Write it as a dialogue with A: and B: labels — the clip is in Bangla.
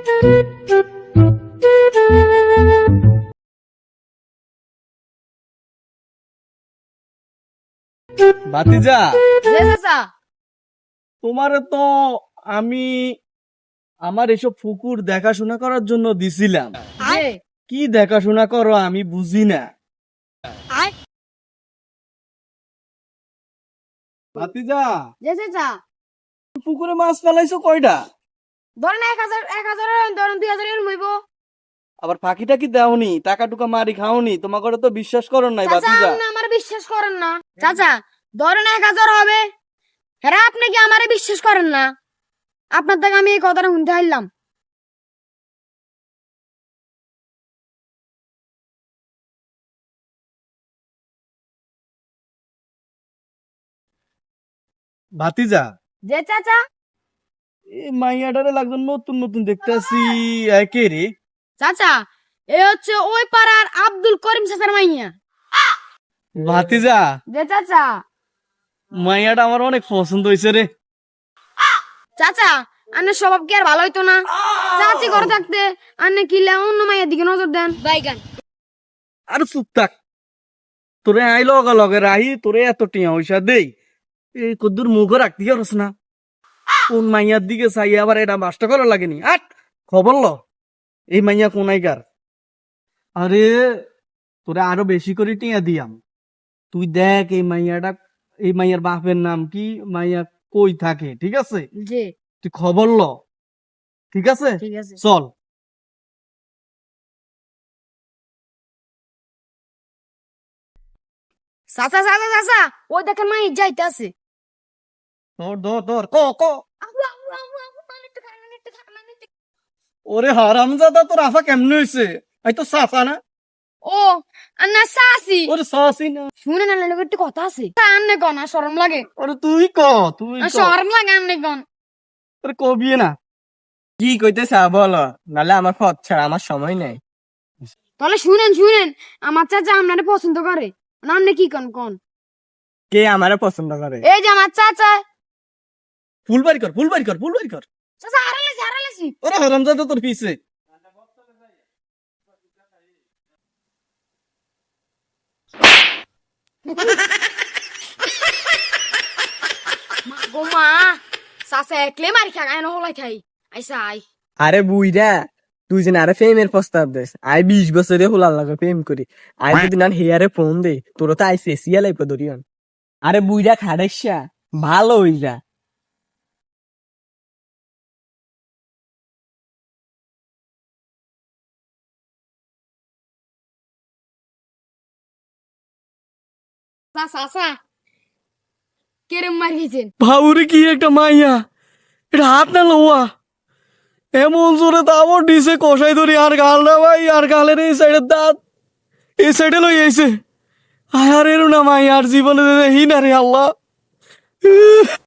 A: ভাতিজা,
B: জি চাচা।
A: তোমারে তো আমি আমার এসব পুকুর দেখাশোনা করার জন্য দিছিলাম।
B: জি।
A: কি দেখাশোনা করো আমি বুঝি না। ভাতিজা,
B: জি চাচা।
A: পুকুরে মাছ ফেলাইছো কয়টা?
B: ধরেন 1,000 ধরেন 2,000 এর মইব।
A: আবার ফাঁকিটা কি দেওনি? টাকা টুকা মারি খাওনি? তোমাকে তো বিশ্বাস করো নাই
B: চাচা
A: ভাতিজা।
B: আপনি আমারে বিশ্বাস করেন না। চাচা ধরেন 1,000 হবে। হ্যাঁ আপনি কি আমারে বিশ্বাস করেন না? আপনার থেকে আমি এই কথাটা শুনতে হারলাম।
A: ভাতিজা,
B: যে চাচা।
A: এই মাইয়াটারে লাগতো নতুন নতুন দেখতেছি। কে রে?
B: চাচা এ হচ্ছে ওই পাড়ার আব্দুল করিম চাচার মাইয়া।
A: ভাতিজা,
B: যে চাচা।
A: মাইয়াটা আমার অনেক পছন্দ হয়েছে রে।
B: চাচা আন্নের স্বভাব কি আর ভালো হইতো না? চাচি ঘরে থাকতে আন্নে কিলা অন্য মাইয়ের দিকে নজর দেন বাইগান।
A: আর চুপ থাক। তোরে আই লগে লগে রাহি তোরে এত টিয়া পয়সা দেই, এই কদ্দুর মুখও রাখতে পারস না। কোন মাইয়ার দিকে চাই আবার এটা মাস্টার করা লাগেনি। আট খবর ল, এই মাইয়া কোনাইকার। আরে তোরে আরো বেশি করে টিয়া দিয়াম। তুই দেখ এই মাইয়াটা, এই মাইয়ার বাপের নাম কি, মাইয়া কই থাকে, ঠিক আছে?
B: জি
A: তুই খবর ল, ঠিক আছে?
B: ঠিক আছে।
A: চল।
B: চাচা চাচা চাচা ওই দেখেন মাই যাইতে আছে।
A: ধর ধর ধর, ক। ওরে হারামজাদা, তোর আফা কেমনে হয়েছে? এই তো সাফা না?
B: ও আন্না চাচি
A: ওরে সাসি না।
B: শুনে না লোক একটু কথা আছে। আন্নে গন আর শরম লাগে।
A: ওরে তুই ক, তুই ক।
B: শরম লাগে আন্নে গন।
A: ওরে কবি না।
C: কি কইতেছা বলো, নালে আমার পথ ছাড়া আমার সময় নেই।
B: তাহলে শুনেন আমার চাচা আপনারে পছন্দ করে না। আপনি কি কোন
C: কে আমারে পছন্দ করে?
B: এই যে আমার চাচা।
A: ফুল বাড়ি কর, ফুল বাড়ি কর, ফুল বাড়ি কর।
B: চাচা হারালেছি।
A: ওরে হারামজাদা তোর পিছে।
B: গো মা চাচা একলে মারি খাগায় না হলাই খাই আইসা আই।
C: আরে বুইরা, তুই যে আরে প্রেমের প্রস্তাব দেস, আই 20 বছরে হোলার লাগে প্রেম করি। আই যদি না হেয়ারে ফোন দে, তোর তো আই সেসিয়া লাইপ ধরিয়ন। আরে বুইরা খাড়াইসা ভালো হইরা।
B: চাচা কেরম মারিয়েছেন?
A: ভাউরে কি একটা মাইয়া, এটা হাত না লোয়া। এমন জোরে দাবর দিছে কষাই ধরি, আর গাল না ভাই, আর গালের এই সাইডের দাঁত এই সাইডে লই আইছে। আর এর না মাইয়া আর জীবনে দেখি না রে আল্লাহ।